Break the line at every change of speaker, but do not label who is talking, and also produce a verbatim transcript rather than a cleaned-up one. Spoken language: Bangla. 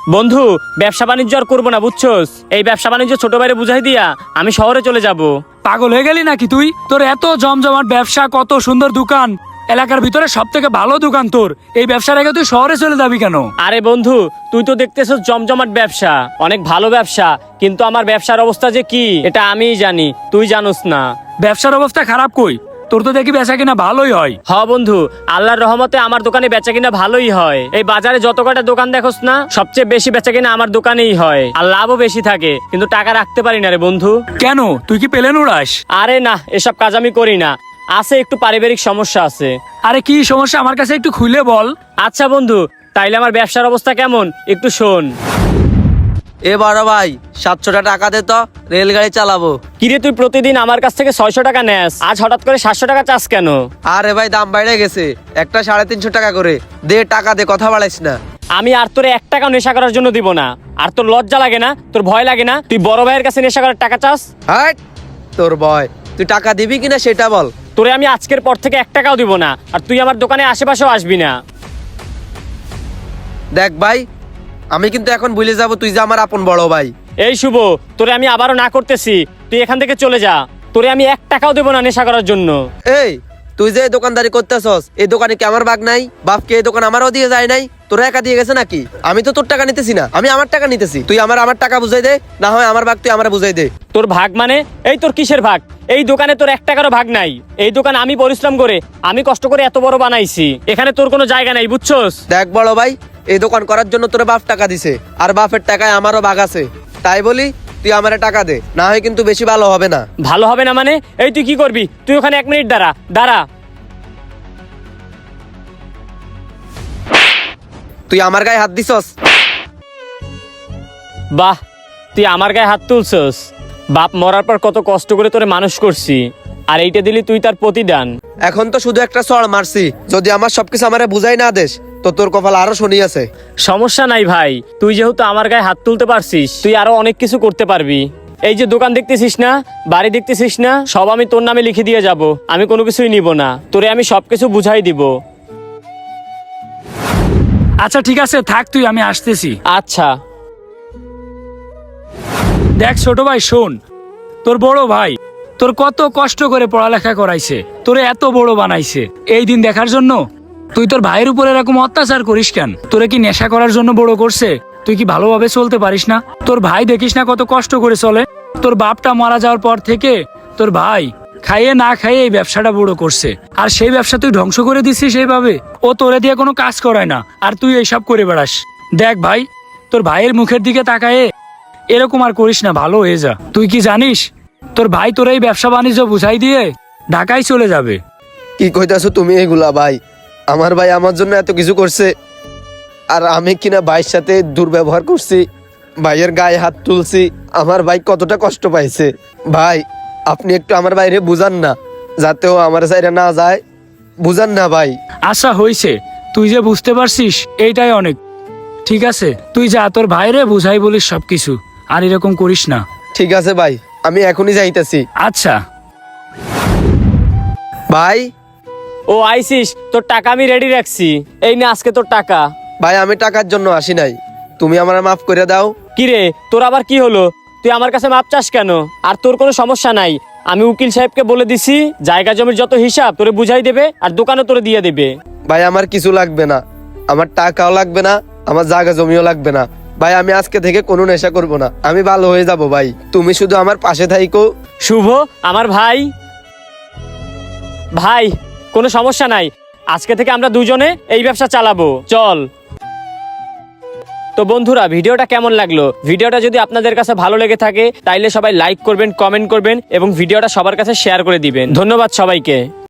বন্ধু, ব্যবসা বাণিজ্য আর করবো না বুঝছস। এই ব্যবসা বাণিজ্য ছোট ভাইরে বুঝাই দিয়া আমি শহরে চলে যাব।
পাগল হয়ে গেলি নাকি তুই? তোর এত জমজমাট ব্যবসা, কত সুন্দর দোকান, এলাকার ভিতরে সব থেকে ভালো দোকান তোর, এই ব্যবসা রেখে তুই শহরে চলে যাবি কেন?
আরে বন্ধু, তুই তো দেখতেছস জমজমাট ব্যবসা, অনেক ভালো ব্যবসা, কিন্তু আমার ব্যবসার অবস্থা যে কি এটা আমিই জানি, তুই জানোস না।
ব্যবসার অবস্থা খারাপ কই? তোর তো দেখি বেচা কিনা ভালোই হয়।
হ বন্ধু, আল্লাহর রহমতে আমার দোকানে বেচা কিনা ভালোই হয়। এই বাজারে যত কটা দোকান দেখোস না, সবচেয়ে বেশি বেচা কিনা আমার দোকানেই হয়, আর লাভও বেশি থাকে, কিন্তু টাকা রাখতে পারি না রে বন্ধু।
কেন, তুই কি পেলেন উড়াস?
আরে না, এসব কাজ আমি করি না, আছে একটু পারিবারিক সমস্যা আছে।
আরে কি সমস্যা আমার কাছে একটু খুলে বল।
আচ্ছা বন্ধু, তাইলে আমার ব্যবসার অবস্থা কেমন একটু শোন।
এ বড় ভাই, সাতশোটা টাকা দে তো, রেলগাড়ি চালাবো।
কিরে, তুই প্রতিদিন আমার কাছ থেকে ছয়শো টাকা নেস, আজ হঠাৎ করে সাতশো টাকা চাস কেন?
আরে ভাই, দাম বাইরে গেছে, একটা সাড়ে তিনশো টাকা করে দে, টাকা দে, কথা বাড়াইস না।
আমি আর তোরে এক টাকা নেশা করার জন্য দিব না। আর তোর লজ্জা লাগে না, তোর ভয় লাগে না, তুই বড় ভাইয়ের কাছে নেশা করার টাকা চাস?
হাট তোর ভয়, তুই টাকা দিবি কিনা সেটা বল।
তোরে আমি আজকের পর থেকে এক টাকাও দিব না, আর তুই আমার দোকানে আশেপাশেও আসবি না।
দেখ ভাই, আমি কিন্তু এখন ভুলে যাব তুই যে আমার আপন বড় ভাই।
এই শুভ, তোরে আমি আবারও না করতেছি, তুই এখান থেকে চলে যা। তোরে আমি এক টাকাও দেবো না নেশা করার জন্য।
এই তুই যে এই দোকানদারি করতেছস, এই দোকানে কি আমার ভাগ নাই? বাপকে এই দোকান আমারও দিয়ে যায় নাই? তোরা একা দিয়ে গেছে নাকি? আমি তো তোর টাকা নিতেছি না, আমি আমার টাকা নিতেছি। তুই আমার আমার টাকা বুঝাই দে, না হয় আমার ভাগ তুই আমার বুঝাই দে।
তোর ভাগ মানে? এই তোর কিসের ভাগ? এই দোকানে তোর এক টাকারও ভাগ নাই। এই দোকান আমি পরিশ্রম করে, আমি কষ্ট করে এত বড় বানাইছি, এখানে তোর কোনো জায়গা নাই বুঝছস।
দেখ বড় ভাই, এই দোকান করার জন্য তোর বাপ টাকা দিছে, আর বাপের টাকায় আমারও ভাগ আছে, তাই বলি তুই আমারে টাকা দে, না হয় কিন্তু বেশি ভালো হবে না।
ভালো হবে না মানে? এই তুই কি করবি? তুই ওখানে এক মিনিট দাঁড়া, দাঁড়া।
তুই আমার গায়ে হাত দিছস?
বাহ, তুই আমার গায়ে হাত তুলছস? বাপ মরার পর কত কষ্ট করে তোরে মানুষ করছি, আর এইটা দিলি তুই তার প্রতিদান?
এখন তো শুধু একটা চড় মারছি, যদি আমার সবকিছু আমারে বুঝাই না দেস তো তোর কপাল আরো শনি আছে।
সমস্যা নাই ভাই, তুই যেহেতু আমার গায়ে হাত তুলতে পারছিস, তুই আরো অনেক কিছু করতে পারবি। এই যে দোকান দেখতেছিস না, বাড়ি দেখতেছিস না, সব আমি তোর নামে লিখে দিয়ে যাব। আমি কোনো কিছুই নিব না, তোরে আমি সবকিছু বুঝাই দিব।
আচ্ছা ঠিক আছে, থাক তুই, আমি আসতেছি।
আচ্ছা।
দেখ ছোট ভাই, শোন, তোর বড় ভাই তোর কত কষ্ট করে পড়ালেখা করাইছে, তোরে এত বড় বানাইছে, এই দিন দেখার জন্য তুই তোর ভাইয়ের উপর এরকম অত্যাচার করিস কেন? তোরে কি নেশা করার জন্য বড় করছে? তুই কি ভালোভাবে চলতে পারিস না? তোর ভাই দেখিস না কত কষ্ট করে চলে? তোর বাপটা মারা যাওয়ার পর থেকে তোর ভাই খাইয়ে না খাইয়ে এই ব্যবসাটা বড় করছে, আর সেই ব্যবসা তুই ধ্বংস করে দিচ্ছিস এইভাবে। ও তোরে দিয়ে কোনো কাজ করায় না, আর তুই এইসব করে বেড়াস। দেখ ভাই, তোর ভাইয়ের মুখের দিকে তাকায়ে এরকম আর করিস না, ভালো হয়ে যা। তুই কি জানিস তোর ভাই তোর এই ব্যবসা বাণিজ্য বুঝাই দিয়ে ঢাকায় চলে যাবে?
কি কইতাছো তুমি এগুলা ভাই? আমার ভাই আমার জন্য এত কিছু করছে, আর আমি কিনা ভাইয়ের সাথে দুর্ব্যবহার করছি, ভাইয়ের গায়ে হাত তুলছি, আমার ভাই কতটা কষ্ট পাইছে। ভাই আপনি একটু আমার বাইরে বুঝান না, যাতে ও আমার সাইডে না যায়, বুঝান না ভাই।
আশা হইছে, তুই যে বুঝতে পারছিস এইটাই অনেক। ঠিক আছে, তুই যা, তোর ভাইরে বুঝাই বলিস সবকিছু, আর এরকম করিস না।
ঠিক আছে ভাই, আমি এখনই যাইতেছি।
আচ্ছা
ভাই,
ও আইসিস, তোর টাকা আমি রেডি রাখছি, এই না আজকে তোর টাকা।
ভাই আমি টাকার জন্য আসি নাই, তুমি আমার মাফ করে দাও।
কিরে, তোর আবার কি হলো? তুই আমার কাছে মাপ চাস কেন? আর তোর কোনো সমস্যা নাই, আমি উকিল সাহেবকে বলে দিছি, জায়গা জমির যত হিসাব তোরে বুঝাই দেবে, আর দোকানও তোরে দিয়ে দেবে।
ভাই আমার কিছু লাগবে না, আমার টাকাও লাগবে না, আমার জায়গা জমিও লাগবে না। ভাই আমি আজকে থেকে কোনো নেশা করব না, আমি ভালো হয়ে যাব ভাই, তুমি শুধু আমার পাশে থাইকো।
শুভ, আমার ভাই। ভাই কোনো সমস্যা নাই, আজকে থেকে আমরা দুজনে এই ব্যবসা চালাবো, চল। তো বন্ধুরা, ভিডিওটা কেমন লাগলো? ভিডিওটা যদি আপনাদের কাছে ভালো লেগে থাকে তাইলে সবাই লাইক করবেন, কমেন্ট করবেন, এবং ভিডিওটা সবার কাছে শেয়ার করে দিবেন। ধন্যবাদ সবাইকে।